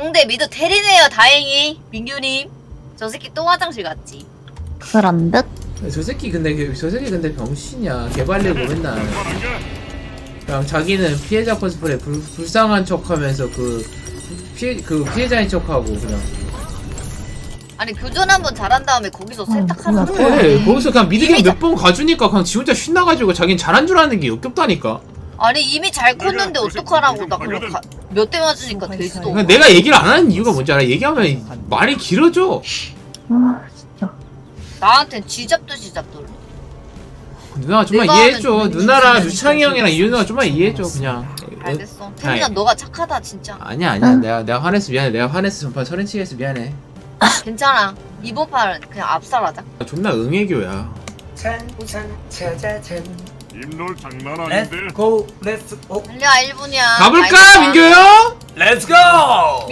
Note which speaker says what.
Speaker 1: 상대 미드 테리네요. 다행히 민규님. 저 새끼 또 화장실 갔지.
Speaker 2: 그런 듯?
Speaker 3: 저 새끼 근데 병신이야. 개발리고 맨날 그냥 자기는 피해자 코스프레 불쌍한 척하면서 그 피해자인 척하고 그냥.
Speaker 1: 아니 교전 한번 잘한 다음에 거기서 세탁하는
Speaker 2: 그래.
Speaker 1: 거야.
Speaker 3: 그래 거기서 그냥 미드갱
Speaker 1: 이미
Speaker 3: 몇 번 가주니까 그냥 지 혼자 신나가지고 자긴 잘한 줄 아는 게 역겹다니까.
Speaker 1: 아니 이미 잘 컸는데 어떡하라고. 나 그럼 몇 대 맞으니까 되지도
Speaker 3: 그러니까
Speaker 1: 않고.
Speaker 3: 내가 얘기를 안 하는 이유가 뭔지 알아? 얘기하면 말이 길어져.
Speaker 2: 아 진짜.
Speaker 1: 나한텐 쥐잡듯이 잡더라.
Speaker 3: 누나가 좀만
Speaker 1: 내가
Speaker 3: 이해해줘.
Speaker 1: 하면
Speaker 3: 누나랑
Speaker 1: 진짜
Speaker 3: 유창이 형이랑 이윤우가 좀만 이해해줘 그냥.
Speaker 1: 알겠어. 태민아 너가 착하다 진짜.
Speaker 3: 아니야
Speaker 2: 응.
Speaker 3: 내가 화냈어 미안해. 내가 화냈어. 전판 서른치게 해서 미안해.
Speaker 1: 괜찮아. 이번 판은 그냥 압살하자.
Speaker 3: 존나 응애교야.
Speaker 4: 찬찬 차자찬
Speaker 5: 입놀 장난 아닌데.
Speaker 4: 렛츠고 렛츠고
Speaker 1: 달려 1분이야.
Speaker 3: 가볼까 민규 형?
Speaker 4: 렛츠고